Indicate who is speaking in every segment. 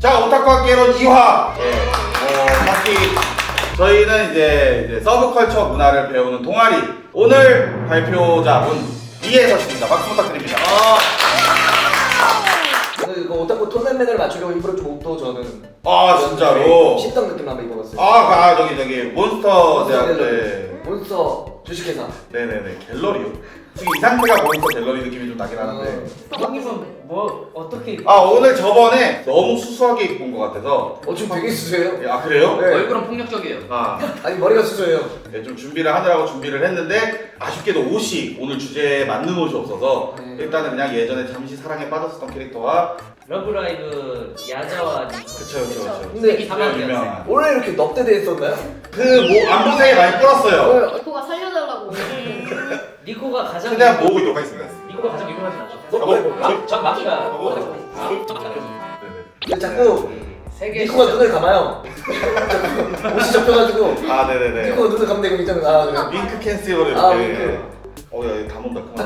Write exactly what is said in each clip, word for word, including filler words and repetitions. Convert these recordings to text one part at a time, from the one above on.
Speaker 1: 자, 오타쿠 학개론 이 화. 예. 어, 각기 저희는 이제, 이제 서브컬처 문화를 배우는 동아리. 오늘 발표자분 이혜서씨입니다. 박수 부탁드립니다.
Speaker 2: 아. 오늘 그 오타쿠 톤앤맨을 맞추려고 일부러 좀 옷도 저는
Speaker 1: 아, 진짜로?
Speaker 2: 십덕 느낌 한번 입어봤어요.
Speaker 1: 아, 그, 아 저기 저기 몬스터
Speaker 2: 몬스터
Speaker 1: 대학
Speaker 2: 갤러리.
Speaker 1: 때.
Speaker 2: 몬스터 주식회사.
Speaker 1: 네네네, 갤러리요? 지금 이 상태가 몬스터 갤러리 느낌이 좀 나긴 하는데.
Speaker 3: 형님은 뭐 어떻게
Speaker 1: 아, 오늘 저번에 너무 수수하게 입고 온 것 같아서.
Speaker 2: 어 지금 되게 수수해요.
Speaker 1: 아, 그래요?
Speaker 2: 네.
Speaker 3: 얼굴은 폭력적이에요.
Speaker 1: 아,
Speaker 2: 아니 머리가 수수해요.
Speaker 1: 네, 좀 준비를 하느라고 준비를 했는데 아쉽게도 옷이 오늘 주제에 맞는 옷이 없어서
Speaker 2: 네.
Speaker 1: 일단은 그냥 예전에 잠시 사랑에 빠졌었던 캐릭터와.
Speaker 3: 러브라이브 야자와 니코.
Speaker 1: 그쵸 그쵸 그쵸.
Speaker 2: 근데
Speaker 3: 이 사망
Speaker 1: 유명한
Speaker 2: 원래 이렇게 넙대대했었나요?
Speaker 1: 그 뭐 안보상에 많이 뿌렸어요.
Speaker 4: 니코가 살려달라고.
Speaker 3: 니코가 가장
Speaker 1: 최대한 모으고 있도록 하겠습니다.
Speaker 3: 니코가 가장 유명하진 않죠.
Speaker 2: 어, 뭐, 뭐,
Speaker 3: 마- 전 마키가
Speaker 1: 어,
Speaker 3: 아, 전 마키가
Speaker 1: 네네.
Speaker 2: 근데 자꾸
Speaker 3: 세계
Speaker 2: 니코가 눈을 감아요. 자꾸 옷이 접혀가지고
Speaker 1: 아 네네네.
Speaker 2: 니코가 눈을 감는 거 있잖아요. 아 그래.
Speaker 1: 윙크 캔슬로 이렇게.
Speaker 2: 아, 윙크.
Speaker 1: 어야 이거 다 논다 그만.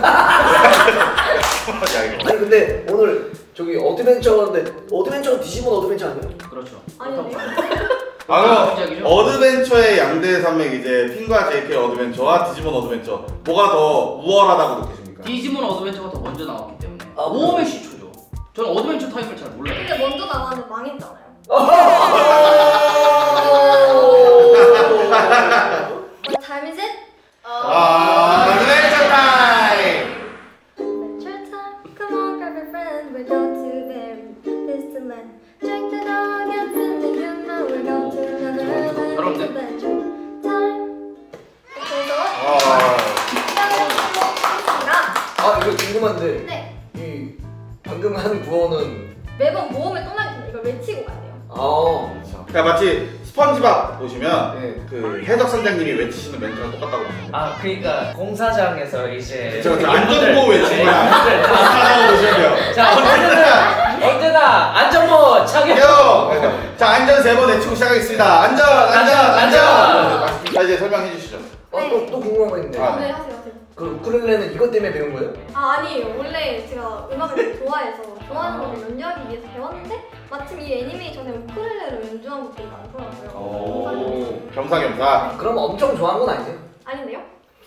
Speaker 1: 야 이거.
Speaker 2: 아니 근데 오늘 저기 어드벤처인데 어드벤처가 디지몬 어드벤처 아니에요?
Speaker 3: 그렇죠.
Speaker 4: 아니요.
Speaker 1: 아 그럼
Speaker 3: 시작이죠?
Speaker 1: 어드벤처의 양대 산맥 이제 핀과 제이케이 어드벤처와 디지몬 어드벤처 뭐가 더 우월하다고 느끼십니까?
Speaker 3: 디지몬 어드벤처가 더 먼저 나왔기 때문에
Speaker 2: 아,
Speaker 3: 오메 시초죠. 저는 어드벤처 타입을 잘 몰라요.
Speaker 4: 근데 먼저 나가는 망했잖아요. What time is it?
Speaker 1: 아 어드벤처 타임.
Speaker 4: Adventure time. Come on, grab your friend. We're going to very distant land. Drink the dog and sing the you know we're going to another
Speaker 3: 여러분들.
Speaker 4: adventure time. 그래서
Speaker 1: 아.
Speaker 4: 시작을
Speaker 2: 아 이거 궁금한데
Speaker 4: 네.
Speaker 2: 이 방금 한 구호는
Speaker 4: 매번 모험을 떠나기 전에 이걸 외치고 가야 돼요.
Speaker 2: 아
Speaker 1: 그러니까 마치 스펀지밥 보시면
Speaker 2: 네.
Speaker 1: 그 해적 선장님이 외치시는 멘트랑 똑같다고 보시면 돼요.
Speaker 5: 아 그러니까 공사장에서 이제
Speaker 1: 저, 저 안전보호 외치는 거야.
Speaker 5: 네, 다-
Speaker 1: 하나 보시면 돼요.
Speaker 5: 자 언제나 언제나 안전모 착용.
Speaker 1: 요! 자, 안전 세 번 외치고 시작하겠습니다. 안전, 안전,
Speaker 5: 안전,
Speaker 1: 안전! 자, 이제 설명해 주시죠.
Speaker 2: 어또 또 궁금한 거 있는데
Speaker 1: 아.
Speaker 4: 네, 하세요, 하세요.
Speaker 2: 그 우쿨렐레는 이것 때문에 배운 거예요?
Speaker 4: 아 아니에요. 원래 제가 음악을 되게 좋아해서 좋아하는 곡을 연주하기 위해서 배웠는데 마침 이 애니메이션에 우쿨렐레로 연주한 곡들이 많더라고요.
Speaker 1: 오, 겸사겸사.
Speaker 2: 그럼 엄청 좋아한 건 아니세요?
Speaker 4: 아닌데요?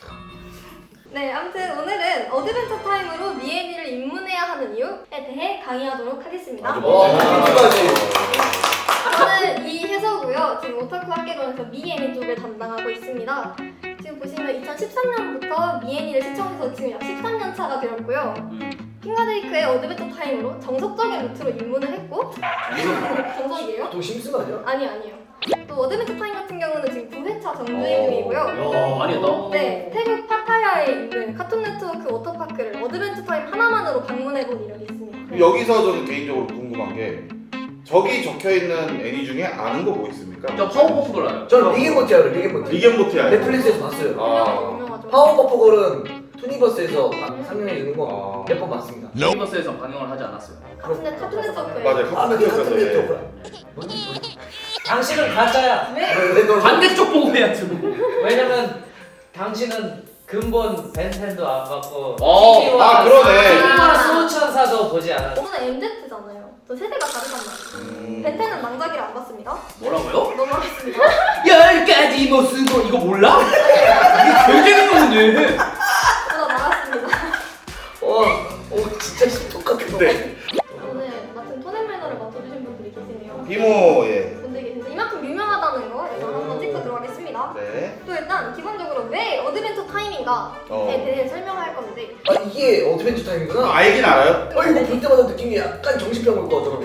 Speaker 4: 네, 아무튼 오늘은 어드벤처 타임으로 미애니를 입문해야 하는 이유에 대해 강의하도록 하겠습니다.
Speaker 1: 아주
Speaker 2: 와
Speaker 1: 멋지네요.
Speaker 2: 멘트까지
Speaker 4: 저는 이혜서고요. 지금 오타쿠 학개론에서 미애니 쪽을 담당하고 있습니다. 지금 보시면 이천십삼 년부터 미애니를 시청해서 지금 약 십삼 년 차가 되었고요. 핑가데이크의 어드벤처 타임으로 정석적인 루트로 입문을 했고 정석이에요?
Speaker 2: 또 심슨 아니야?
Speaker 4: 아니 아니요. 또 어드벤처 타임 같은 경우는 지금 구 회차 정주행 중이고요.
Speaker 3: 야, 많이 했다.
Speaker 4: 네, 태국 파타야에 있는 카툰 네트워크 워터파크를 어드벤처 타임 하나만으로 방문해본 이력이 있습니다.
Speaker 1: 여기서 저는 개인적으로 궁금한 게 저기 적혀 있는 애니 중에 아는 거 뭐 있습니까?
Speaker 3: 저 파워퍼프걸 알아요.
Speaker 2: 저는 리겐모티 알아요 리겐모티
Speaker 1: 리겐모티 알죠?
Speaker 2: 넷플릭스에서 봤어요
Speaker 1: 아.
Speaker 4: 유명하죠.
Speaker 2: 파워버퍼걸은 투니버스에서 상영해 주는 거
Speaker 1: 아.
Speaker 2: 몇 번 봤습니다
Speaker 3: 유니버스에서 방영을 하지 않았어요.
Speaker 4: 카툰 네 카툰 네트워크에
Speaker 1: 맞아요.
Speaker 2: 아
Speaker 1: 카툰
Speaker 2: 그게
Speaker 1: 네트워크에서,
Speaker 2: 카툰
Speaker 1: 예.
Speaker 2: 네트워크라
Speaker 5: 당신은 가짜야.
Speaker 4: 네?
Speaker 2: 왜 너?
Speaker 3: 반대쪽 보고 해야지. 뭐.
Speaker 5: 왜냐면 당신은 근본 벤텐도 안 봤고
Speaker 3: 어,
Speaker 5: 티비와
Speaker 1: 아, 그러네.
Speaker 5: 티비와 수호천사도 보지 않았어.
Speaker 4: 저는 엠제트잖아요. 저 세대가 다르단 말이에요.
Speaker 1: 음.
Speaker 4: 벤테는 망자기를 안 봤습니다.
Speaker 3: 뭐라고요?
Speaker 4: 넘어가겠습니다.
Speaker 3: 열 가지 뭐 쓰고 이거 몰라? 이게 굉장히 좋은데.
Speaker 4: 저도 나갔습니다.
Speaker 2: 와, 오 진짜 똑같은 거
Speaker 1: 네.
Speaker 4: 오늘 마침 토넷 매너를 맡아주신 분들이 계시네요.
Speaker 1: 비모, 예.
Speaker 4: 분들이 계신데 이만큼 유명하다는 거 일단 한번 찍고 들어가겠습니다.
Speaker 1: 네.
Speaker 4: 또 일단 기본적으로 왜 어드벤처 타임인가에
Speaker 1: 어.
Speaker 4: 대해 설명할 건데
Speaker 2: 아 이게 어드벤처 타임이구나
Speaker 1: 알긴 알아요?
Speaker 2: 어 이거 볼 때마다 느낌이 약간 정신병 올 것 같더라고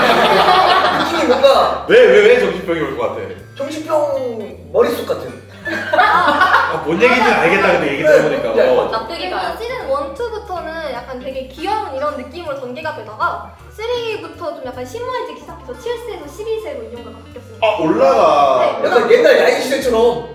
Speaker 2: 느낌이 뭔가
Speaker 1: 왜, 왜, 왜 정신병이 올 것 같아?
Speaker 2: 정신병 머릿속 같은
Speaker 1: 아, 뭔 얘기인지 알겠다, 근데 얘기 들어보니까.
Speaker 2: 네.
Speaker 1: 어.
Speaker 4: 납득이 가요. 시즌 일, 이부터는 약간 되게 귀여운 이런 느낌으로 전개가 되다가 삼부터 좀 약간 심오해지기 시작해서 칠 세에서 십이 세로 인용가가 바뀌었습니다.
Speaker 1: 아, 올라가.
Speaker 4: 네.
Speaker 2: 약간 옛날 야인 시대처럼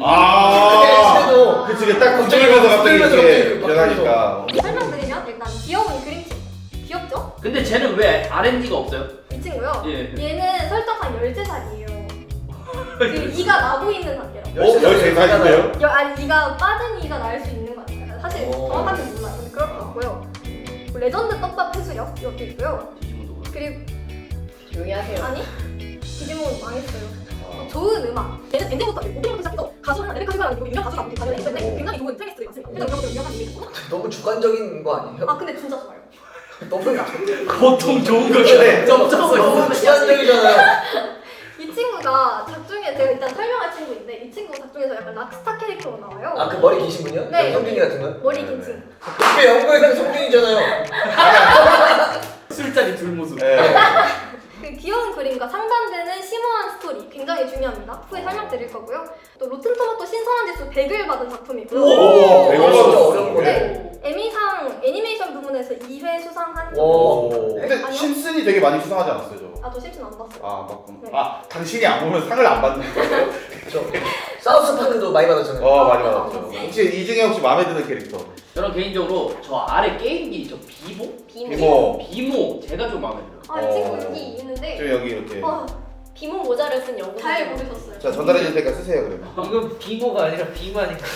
Speaker 1: 아.
Speaker 2: 시대도
Speaker 1: 그치, 이게 딱 구경하면서 갑자기
Speaker 2: 구경하면서
Speaker 1: 이렇게
Speaker 2: 갑자기
Speaker 1: 변하니까.
Speaker 4: 설명드리면 일단 귀여운 그림체. 귀엽죠?
Speaker 3: 근데 쟤는 왜 알앤디가 없어요?
Speaker 4: 이 친구요.
Speaker 3: 예.
Speaker 4: 얘는 설정상 열세 살이에요. 지금 이가 나고 있는 단계라고.
Speaker 1: 어? 열세 살인데요?
Speaker 4: 여, 아니 이가 빠진 이가 날 수 있는 거 같아요. 사실
Speaker 2: 오.
Speaker 4: 정확하게 몰라요. 근데 그럴 것 같고요. 레전드 떡밥 회수력 이것도 있고요.
Speaker 3: 디지몬도 그래.
Speaker 4: 그리고
Speaker 6: 조용히 하세요.
Speaker 4: 아니 디지몬 망했어요. 좋은 음악. 얘는 엔딩부터 오프닝부터 시작해서 가수는 에리카 시가랑 그리고 유명 가수가 아무튼 가면 있는데 굉장히 좋은 플레이리스트가 있습니다. 그래서 이런 것도 유명한 이미지 있고.
Speaker 2: 너무 주관적인 거 아니에요?
Speaker 4: 아 근데 진짜 좋아요.
Speaker 2: 너무
Speaker 3: 보통 좋은 거죠. 점점
Speaker 2: 너무 주관적이잖아요.
Speaker 4: 이 친구가 작중에 제가 일단 설명할 친구인데 이 친구 작중에서 약간 락스타 캐릭터로 나와요.
Speaker 2: 아 그 머리 기신 분이요?
Speaker 4: 네.
Speaker 2: 성준이 같은 거요?
Speaker 4: 머리 긴 친구.
Speaker 2: 그게 영국에서는 성준이잖아요.
Speaker 3: 술자리 둘 모습.
Speaker 1: 네.
Speaker 4: 그 귀여운 그림과 상반되는 심오한 스토리 굉장히 중요합니다. 후에 설명드릴 거고요. 또 로튼토마토 신선한 지수 백을 받은 작품이고요.
Speaker 1: 오,
Speaker 2: 이거 진짜 어려운 거네.
Speaker 4: 네, 에미상 애니메이션 부문에서 이 회 수상한 작품.
Speaker 1: 오. 근데
Speaker 4: 아니요?
Speaker 1: 심슨이 되게 많이 수상하지 않았어요, 저?
Speaker 4: 아, 저 심슨 안 봤어요.
Speaker 1: 아, 맞구나.
Speaker 4: 네.
Speaker 1: 아, 당신이 안 보면 상을 안 받는 거예요?
Speaker 2: 저 사우스 파크도 많이 받았잖아요.
Speaker 1: 어, 많이 받았죠. 혹시 이 중에 혹시 마음에 드는 캐릭터?
Speaker 5: 저는 개인적으로 저 아래 게임기 저 비모?
Speaker 6: 비모.
Speaker 1: 비모.
Speaker 5: 비모 제가 좀 마음에 들어요.
Speaker 4: 아, 이 친구
Speaker 1: 어.
Speaker 4: 여기 있는데
Speaker 1: 좀 여기 이렇게.
Speaker 4: 와,
Speaker 6: 비모 모자를 쓴 영국.
Speaker 4: 잘 모르셨어요.
Speaker 1: 자, 전달해 줄 테니까 쓰세요, 그러면.
Speaker 5: 이건 비모가 아니라 비만인가?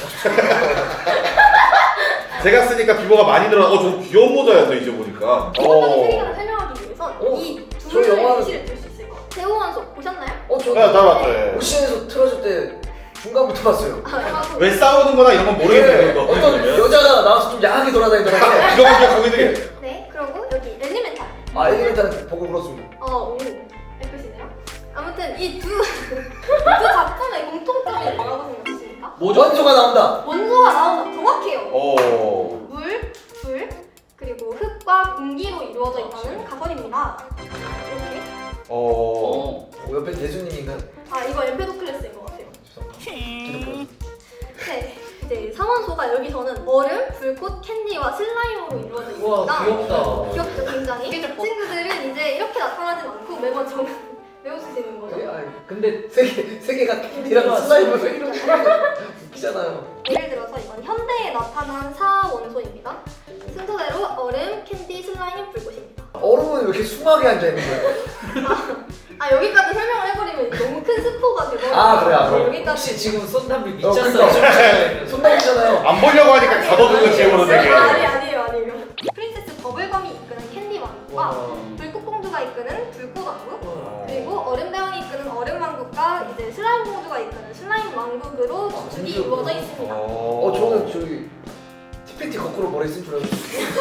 Speaker 1: 제가 쓰니까 비모가 많이 들어. 어, 저 귀여운 모자였어, 이제 보니까.
Speaker 4: 기본적인 세계관을 설명하기 위해선
Speaker 2: 어,
Speaker 4: 이
Speaker 2: 저
Speaker 4: 둘의
Speaker 2: 영화는-
Speaker 4: 예시를 들 수 있을 것 같아요. 대호원소 보셨나요?
Speaker 2: 어, 저
Speaker 1: 네, 다 봤죠, 예.
Speaker 2: 오션에서 틀어줄 때 중간부터 봤어요.
Speaker 4: 아, 아,
Speaker 1: 왜 싸우는 거나 이런 건 모르겠네요, 이거.
Speaker 2: 어떤 여자가 나와서 좀 야하게 돌아다니더라고요.
Speaker 1: 이거 먼저 거기 되게.
Speaker 4: 네, 그리고 여기 엘리멘탈.
Speaker 2: 아, 엘리멘탈은 보고 울었습니다.
Speaker 4: 어, 오, 예쁘시네요. 아무튼 이 두 두 작품의 공통점이 뭐라고 생각하십니까?
Speaker 5: 뭐죠?
Speaker 2: 원소가 나온다.
Speaker 4: 원소가 나온다. 정확해요.
Speaker 1: 오.
Speaker 4: 물, 불, 그리고 흙과 공기로 이루어져 있다는 가설입니다. 이렇게.
Speaker 1: 어.
Speaker 5: 어.
Speaker 2: 어, 옆에 대수님인가요?
Speaker 4: 아, 이거 엠페도클레스인 것 같아요.
Speaker 2: 죄송합니다.
Speaker 4: 네. 이제 상원소가 여기서는 얼음, 불꽃, 캔디와 슬라임으로 이루어져 있습니다.
Speaker 5: 우와 귀엽다.
Speaker 4: 귀엽죠, 굉장히. 친구들은 이제 이렇게 나타나진 않고 매번 정 외우시는 거죠.
Speaker 2: 네, 아, 근데 세 개, 세 개가 캔디랑 슬라임을 왜 이렇게 웃기잖아요.
Speaker 4: 예를 들어서 이건 현대에 나타난 사원소입니다. 순서대로 얼음, 캔디, 슬라임, 불꽃입니다.
Speaker 2: 얼음은 왜 이렇게 숭하게 앉아있는 거예요?
Speaker 4: 아, 여기까지 설명을 해버리면 너무 큰 스포가 돼버려요.
Speaker 2: 아, 그래, 아, 그래.
Speaker 4: 여기까지.
Speaker 5: 혹시 지금 손담비
Speaker 2: 어,
Speaker 5: 미쳤어요?
Speaker 2: 그러니까. 손담이잖아요.
Speaker 1: 안 보려고 하니까 가둬두는 기분으로 되게.
Speaker 4: 아니, 아니에요, 아니에요. 프린세스 버블검이 이끄는 캔디 왕국과 불꽃공주가 이끄는 불꽃 왕국, 그리고 얼음 대왕이 이끄는 얼음 왕국과 이제 슬라임 공주가 이끄는 슬라임 왕국으로
Speaker 2: 아,
Speaker 4: 주축이
Speaker 2: 진짜
Speaker 4: 이루어져 있습니다.
Speaker 2: 어, 저는 저기 티팬티 거꾸로 머리 쓴 줄 알고.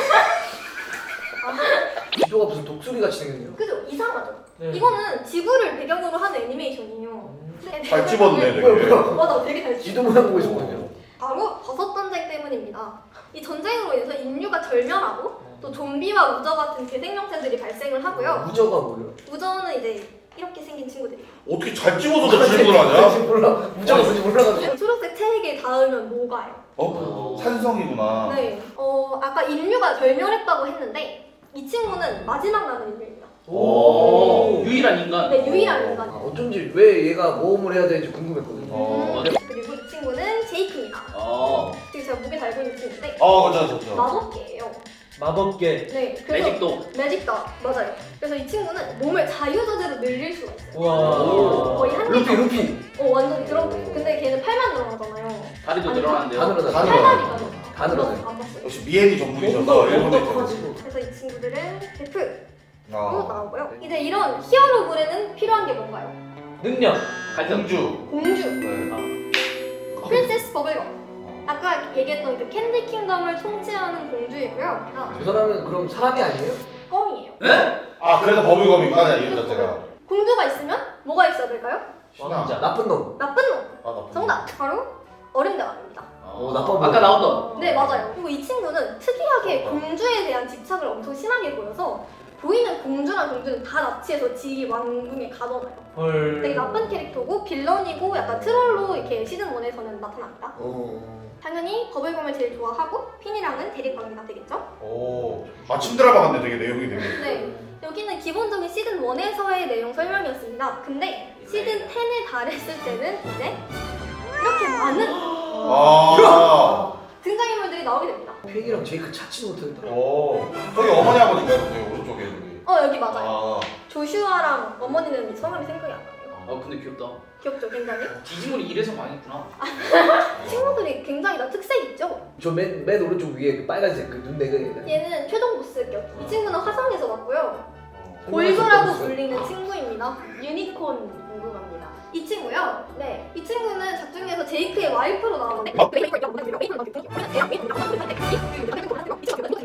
Speaker 2: 기조가 무슨 독수리 같이 생겼네요.
Speaker 4: 그죠? 이상하죠?
Speaker 5: 네.
Speaker 4: 이거는 지구를 배경으로 하는 애니메이션이에요. 네,
Speaker 1: 잘 집었네,
Speaker 2: 뭐야,
Speaker 1: 되게.
Speaker 2: 뭐야.
Speaker 4: 맞아, 되게 잘
Speaker 2: 지도 모양 보고 있었거든요.
Speaker 4: 바로 버섯 전쟁 때문입니다. 이 전쟁으로 인해서 인류가 절멸하고 또 좀비와 우저 같은 대생명체들이 발생을 하고요.
Speaker 2: 무저가 뭐예요?
Speaker 4: 우저는 이제 이렇게 생긴 친구들이에요.
Speaker 1: 어떻게 잘 집어서 저 질문을 하냐?
Speaker 2: 지금 몰라. 무저가 뭔지 몰라가지고.
Speaker 4: 초록색 체액에 닿으면 녹아요.
Speaker 1: 어? 산성이구나.
Speaker 4: 네. 어, 아까 인류가 절멸했다고 했는데 이 친구는 마지막 남은 인류입니다.
Speaker 5: 오. 유일한 인간.
Speaker 4: 네, 유일한
Speaker 2: 아,
Speaker 4: 인간.
Speaker 2: 어쩐지 왜 얘가 모험을 해야 되는지 궁금했거든요.
Speaker 1: 어.
Speaker 4: 그리고 이 친구는 제이크입니다.
Speaker 5: 어.
Speaker 4: 지금 제가 목에 달고 있는 친구인데
Speaker 1: 어, 그렇죠, 그렇죠.
Speaker 4: 마법계예요.
Speaker 5: 마법계.
Speaker 4: 네. 그래서
Speaker 5: 매직도.
Speaker 4: 매직다 맞아요. 그래서 이 친구는 몸을 자유자재로 늘릴 수가 있어요.
Speaker 5: 우와.
Speaker 4: 거의 한
Speaker 2: 루피,
Speaker 4: 개가
Speaker 2: 루피.
Speaker 4: 어 완전 그런 거. 근데 걔는 팔만 늘어나잖아요.
Speaker 5: 다리도
Speaker 4: 아니,
Speaker 5: 늘어난대요.
Speaker 2: 다 늘어나.
Speaker 1: 다
Speaker 4: 팔다리가
Speaker 1: 늘어나요.
Speaker 2: 다 늘어나요.
Speaker 4: 안 봤어요.
Speaker 1: 역시 미엔이 전문이셔서 일본에 좀.
Speaker 4: 그래서 이 친구들은 베프로
Speaker 1: 아.
Speaker 4: 나오고요. 이제 이런 히어로물에는 필요한 게 뭔가요?
Speaker 5: 능력. 갈등.
Speaker 1: 공주.
Speaker 4: 공주,
Speaker 1: 네.
Speaker 4: 프린세스 버블검. 아까 얘기했던 그 캔디 킹덤을 통치하는 공주이고요. 아,
Speaker 2: 저 사람은 그럼 사람이 아니에요?
Speaker 4: 껌이에요.
Speaker 5: 에?
Speaker 1: 아, 그래서 버블검이구나, 이름 자체가.
Speaker 4: 공주가 있으면 뭐가 있어야 될까요?
Speaker 1: 신화.
Speaker 5: 왕자.
Speaker 2: 나쁜 놈.
Speaker 4: 나쁜 놈.
Speaker 1: 아, 나
Speaker 4: 정답. 바로 얼음대왕입니다.
Speaker 2: 어, 나빠 보여.
Speaker 5: 아까 나왔던.
Speaker 4: 네, 맞아요. 그리고 이 친구는 특이하게 공주에 대한 집착을 엄청 심하게 보여서 보이는 공주랑 공주는 다 납치해서 지리 왕궁에 가둬놔요.
Speaker 5: 헐.
Speaker 4: 되게 나쁜 캐릭터고 빌런이고 약간 트롤로 이렇게 시즌 일에서는 나타납니다.
Speaker 2: 어.
Speaker 4: 당연히 버블검을 제일 좋아하고 핀이랑은 대립관계가 되겠죠?
Speaker 1: 오. 아침 드라마 같네, 되게 내용이 되게.
Speaker 4: 네. 여기는 기본적인 시즌 일에서의 내용 설명이었습니다. 근데 시즌 십에 달했을 때는 이제 이렇게 많은
Speaker 1: 아.
Speaker 4: 등장인물들이 나오게 됩니다.
Speaker 2: 펜이랑 제이크 찾지 못하겠다.
Speaker 1: 오. 저기 어머니 아버지인가요? 저기 오른쪽에 여기.
Speaker 4: 어, 여기 맞아요.
Speaker 1: 아.
Speaker 4: 조슈아랑 어머니는 성함이 생각이 안 나요.
Speaker 5: 어 근데 귀엽다.
Speaker 4: 귀엽죠, 굉장히?
Speaker 5: 디지몬이 이래서 망했구나.
Speaker 4: 친구들이 굉장히 다 특색 있죠?
Speaker 2: 저 맨 맨 오른쪽 위에 그 빨간색 그 눈 내가 얘가.
Speaker 4: 얘는 최종 보스격. 이 친구는 화성에서 왔고요. 골조라고 불리는 친구입니다.
Speaker 6: 유니콘 궁금합니다.
Speaker 4: 이 친구요.
Speaker 6: 네.
Speaker 4: 이 친구는 작중에서 제이크의 와이프로 나오는데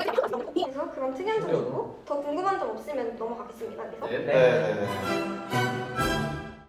Speaker 4: 그래서 그런 특이한 점이고 더 궁금한 점 없으면 넘어가겠습니다. 그래서
Speaker 1: 네, 네, 네.